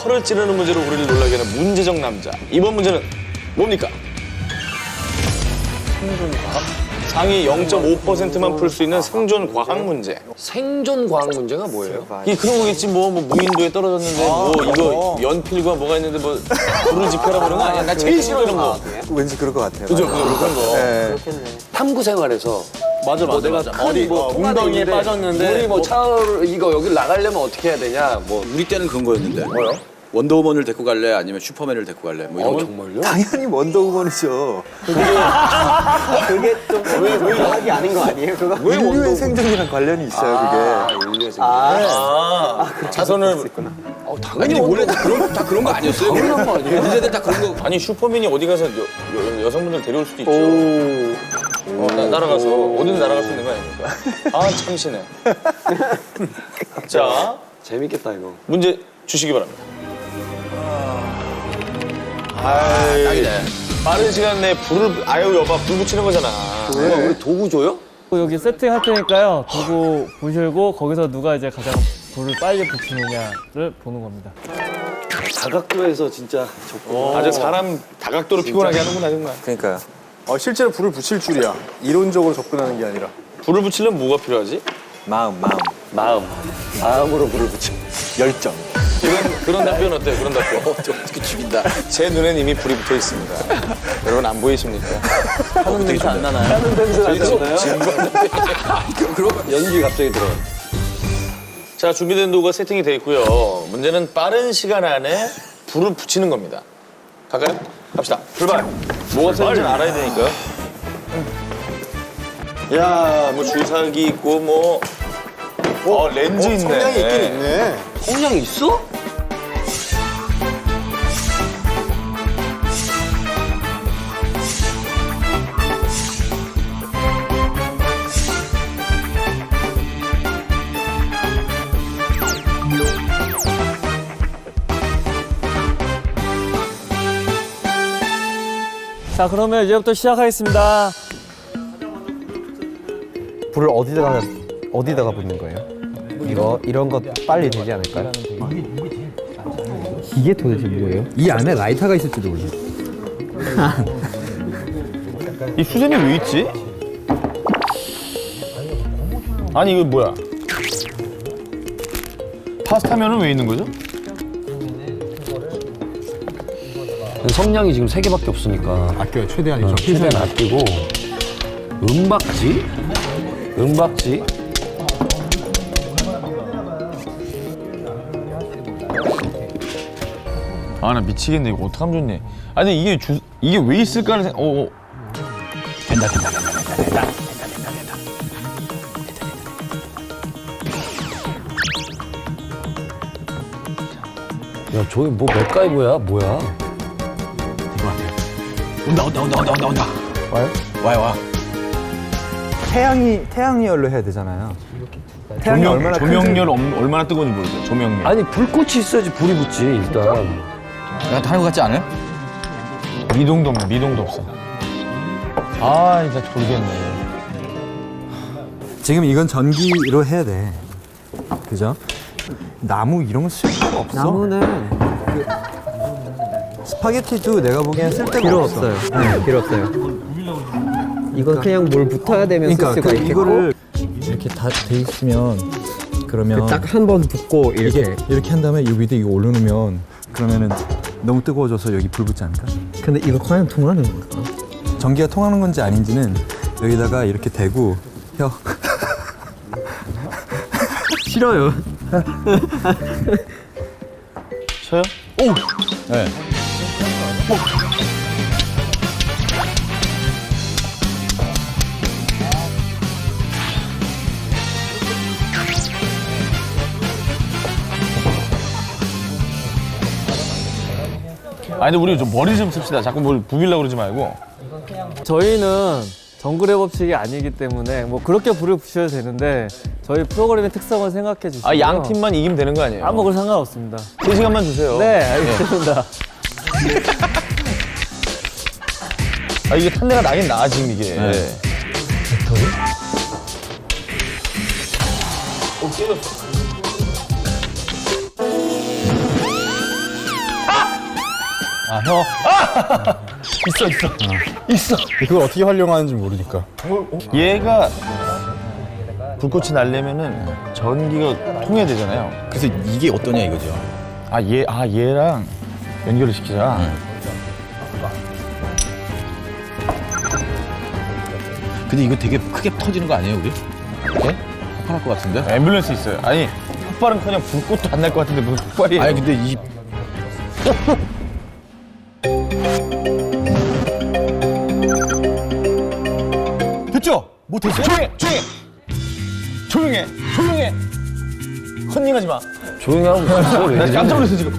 털을 찌르는 문제로 우리를 놀라게 하는 문제적 남자. 이번 문제는 뭡니까? 상위 0.5%만 풀 수 있는 생존 과학 문제. 생존 과학 문제가 뭐예요? 이 그런 거겠지 뭐 무인도에 떨어졌는데 뭐 이거 연필과 뭐가 있는데 뭐 불을 지펴라 그런 거 아니야? 나 제일 싫어 이런 거. 왠지 그럴 것 같아요. 그죠? 그런 거. 네. 탐구 생활에서 맞아 뭐 내가 어디 웅덩이에 빠졌는데 우리 뭐 차를 이거 여기 나가려면 어떻게 해야 되냐 뭐 우리 때는 그런 거였는데. 뭐요? 원더우먼을 데리고 갈래? 아니면 슈퍼맨을 데리고 갈래? 뭐 이런 거. 정말요? 당연히 원더우먼이죠. 그게 좀 과학이 아닌 거 아니에요? 그거? 인류의 생존이랑 관련이 있어요, 그게. 인류의 생존. 자손을 당연히 원래 다 그런 거 아니었어요? 당연한 거 아니에요? 니네들 다 그런 거. 아니 슈퍼맨이 어디 가서 여성분들 데려올 수도 있죠. 날아가서 어디든 날아갈 수 있는 거 아닙니까? 아 참신해. 자 재밌겠다 이거. 문제 주시기 바랍니다. 딱이네. 빠른 시간 내에 불을 아유 여봐 불 붙이는 거잖아. 우리 도구 줘요? 여기 세팅할 테니까요. 두고 보시고 거기서 누가 이제 가장 불을 빨리 붙이느냐를 보는 겁니다. 다각도에서 진짜 아주 사람 다각도로 피곤하게 하는구나 정말. 그러니까요. 실제로 불을 붙일 줄이야. 이론적으로 접근하는 게 아니라. 불을 붙이려면 뭐가 필요하지? 마음으로 불을 붙여. 열정. 그런 답변 어때요? 그런 답변. 어떻게 죽인다. 제 눈엔 이미 불이 붙어 있습니다. 여러분 안 보이십니까? 하는 냄새 안 나나요? 하는 냄새 안 나나요? 연기 갑자기 들어. 자 준비된 도구가 세팅이 돼 있고요. 문제는 빠른 시간 안에 불을 붙이는 겁니다. 갈까요? 갑시다. 출발. 뭐가 쓰는지는 알아야 되니까요. 야, 뭐 주사기 있고 뭐 렌즈 있네. 성량이 있긴 있네. 성량 있어? 자, 그러면 이제부터 시작하겠습니다. 불을 어디다가 붙는 거예요? 이런 거 빨리 되지 않을까요? 이게 도대체 뭐예요? 이 안에 라이터가 있을지도 몰라요. 이 수제비 왜 있지? 아니 이거 뭐야? 파스타면은 왜 있는 거죠? 성량이 지금 3개밖에 없으니까 아껴요, 최대한이죠. 최대한 아끼고 은박지? 아 나 미치겠네 이거 어떡하면 좋니? 아니 이게 왜 있을까를 된다. 야 저기 뭐 맥가이버야 뭐야? 와요. 태양열로 해야 되잖아요. 태양이 얼마나 조명열 얼마나 뜨거운지 모르죠. 조명열. 아니 불꽃이 있어야지 불이 붙지 일단. 야, 다른 거 같지 않아요? 미동도 없네. 미동도 없어. 아 진짜 돌겠네. 지금 이건 전기로 해야 돼. 그죠? 나무 이런 거 쓸 필요가 없어. 나무는 스파게티도 내가 보기엔 쓸데가 필요 없어. 없어요. 네, 필요 없어요. 이건 그냥 뭘 붙어야 되면 그러니까 쓸 수가 있겠고 이거를 이렇게 다 돼 있으면 그러면 딱 한 번 붙고 이렇게 한 다음에 이 위에 이거 올려놓으면 그러면은 너무 뜨거워져서 여기 불 붙지 않을까? 근데 이거 과연 통하는 걸까? 전기가 통하는 건지 아닌지는 여기다가 이렇게 대고 혀 싫어요. 저요? 네. 아니 근데 우리 좀 머리 좀 씁시다. 자꾸 뭘 부비려고 그러지 말고. 저희는 정글의 법칙이 아니기 때문에 뭐 그렇게 불을 붙여도 되는데 저희 프로그램의 특성을 생각해 주시면 아 양 팀만 이기면 되는 거 아니에요? 아무 걸 상관없습니다. 3시간만 주세요. 네, 알겠습니다. 아 이게 탄내가 나긴 나 지금 이게. 그걸 어떻게 활용하는지 모르니까. 얘가 불꽃이 날려면은 전기가 통해야 되잖아요. 그래서 이게 어떠냐 이거죠. 얘랑 연결을 시키자. 근데 이거 되게 크게 터지는 거 아니에요, 우리? 네? 폭발할 것 같은데? 앰뷸런스 있어요. 아니, 폭발은커녕 불꽃도 안 날 것 같은데 무슨 폭발이에요? 아니 근데 이 됐죠? 뭐 됐어요? 조용해. 컨닝하지 마. 조용히 하고 있어. 나 깜짝 놀랐어 지금.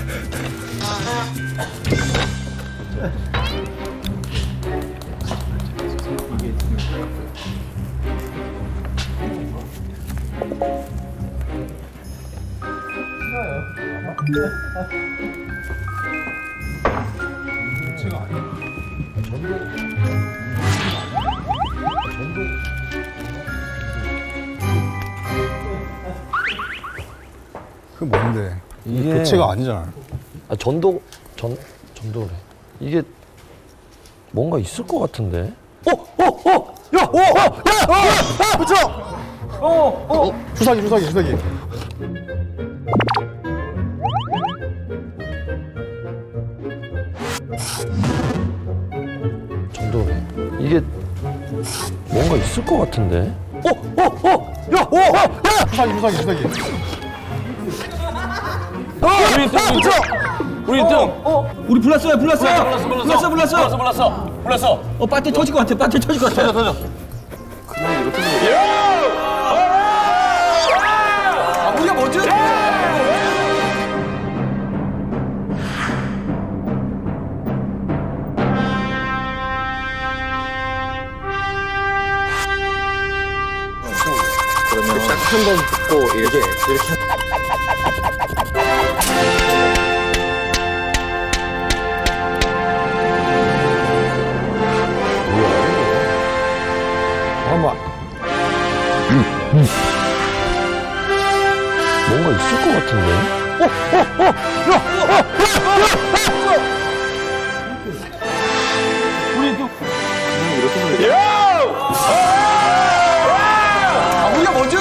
그 뭔데? 이게- 교체가 아니잖아. 전도래. 이게 뭔가 있을 것 같은데. 주사기. 전도래. 이게 뭔가 있을 것 같은데. 주사기. 우리 1등. 우리 불났어요. 불렀어. 배터리 터질 것 같아. 터져. 우리가 뭐죠? 한번 붙고 이렇게 뭔가 있을 것 같은데. 우리가 뭐죠?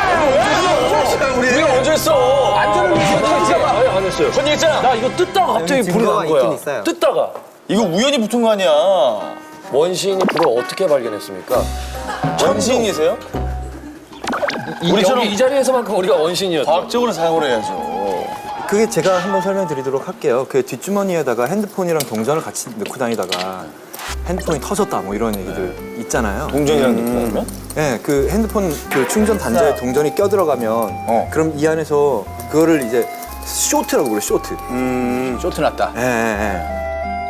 우리가 먼저 했어. 안 했어요. 컨닝했잖아. 나 이거 뜯다가 갑자기 불이 증거가 난 거야. 있긴 있어요. 뜯다가. 이거 우연히 붙은 거 아니야. 원시인이 불을 어떻게 발견했습니까? 원시인이세요? 우리처럼 이 자리에서만큼 우리가 원신이었죠. 과학적으로 사용을 해야죠. 그게 제가 한번 설명드리도록 할게요. 그 뒷주머니에다가 핸드폰이랑 동전을 같이 넣고 다니다가 핸드폰이 터졌다 뭐 이런 얘기들 있잖아요. 동전이랑 느낌이면? 네, 그 핸드폰 그 충전 단자에 동전이 껴들어가면 그럼 이 안에서 그거를 이제 쇼트라고 그래, 쇼트. 쇼트 났다. 예, 예, 예.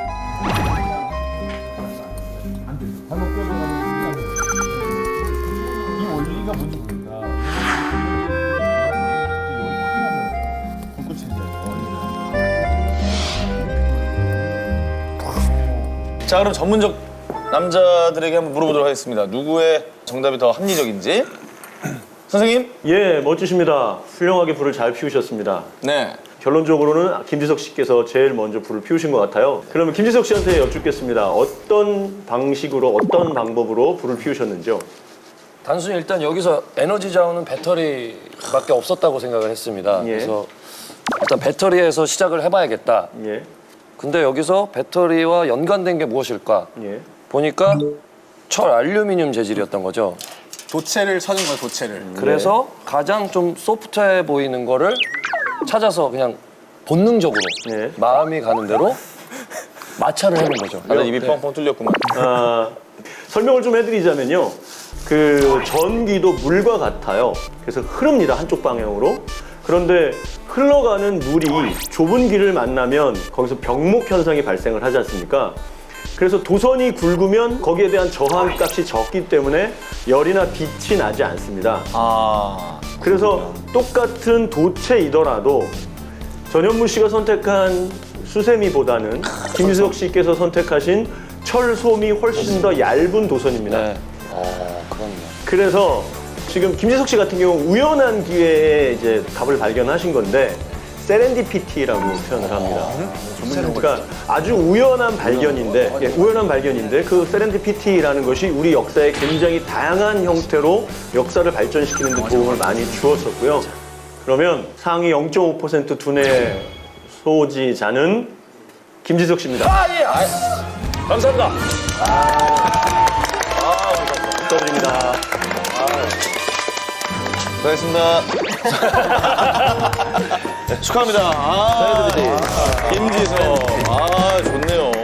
자, 그럼 전문적 남자들에게 한번 물어보도록 하겠습니다. 누구의 정답이 더 합리적인지. 선생님? 예, 멋지십니다. 훌륭하게 불을 잘 피우셨습니다. 네. 결론적으로는 김지석 씨께서 제일 먼저 불을 피우신 것 같아요. 그러면 김지석 씨한테 여쭙겠습니다. 어떤 방식으로, 어떤 방법으로 불을 피우셨는지요? 단순히 일단 여기서 에너지 자원은 배터리밖에 없었다고 생각을 했습니다. 예. 그래서 일단 배터리에서 시작을 해봐야겠다. 예, 근데 여기서 배터리와 연관된 게 무엇일까? 예. 보니까 철 알루미늄 재질이었던 거죠. 도체를 찾은 거야, 도체를. 그래서 가장 좀 소프트해 보이는 거를 찾아서 그냥 본능적으로 예. 마음이 가는 대로 마찰을 해놓은 거죠. 다들 입이 뻥뻥 뚫렸구만. 설명을 좀 해드리자면요. 그 전기도 물과 같아요. 그래서 흐릅니다, 한쪽 방향으로. 그런데 흘러가는 물이 좁은 길을 만나면 거기서 병목 현상이 발생을 하지 않습니까? 그래서 도선이 굵으면 거기에 대한 저항값이 적기 때문에 열이나 빛이 나지 않습니다. 그래서 똑같은 도체이더라도 전현무 씨가 선택한 수세미보다는 김지석 씨께서 선택하신 철솜이 훨씬 더 얇은 도선입니다. 네. 그럼요. 그래서 지금 김지석 씨 같은 경우 우연한 기회에 이제 답을 발견하신 건데 세렌디피티라고 표현을 합니다. 그러니까 아주 우연한 발견인데, 우연한 발견인데 그 세렌디피티라는 것이 우리 역사에 굉장히 다양한 형태로 역사를 발전시키는 데 도움을 많이 주었었고요. 그러면 상위 0.5% 두뇌 소지자는 김지석 씨입니다. 감사합니다. 축하드립니다. 수고하셨습니다. 축하합니다. 김지석. 좋네요.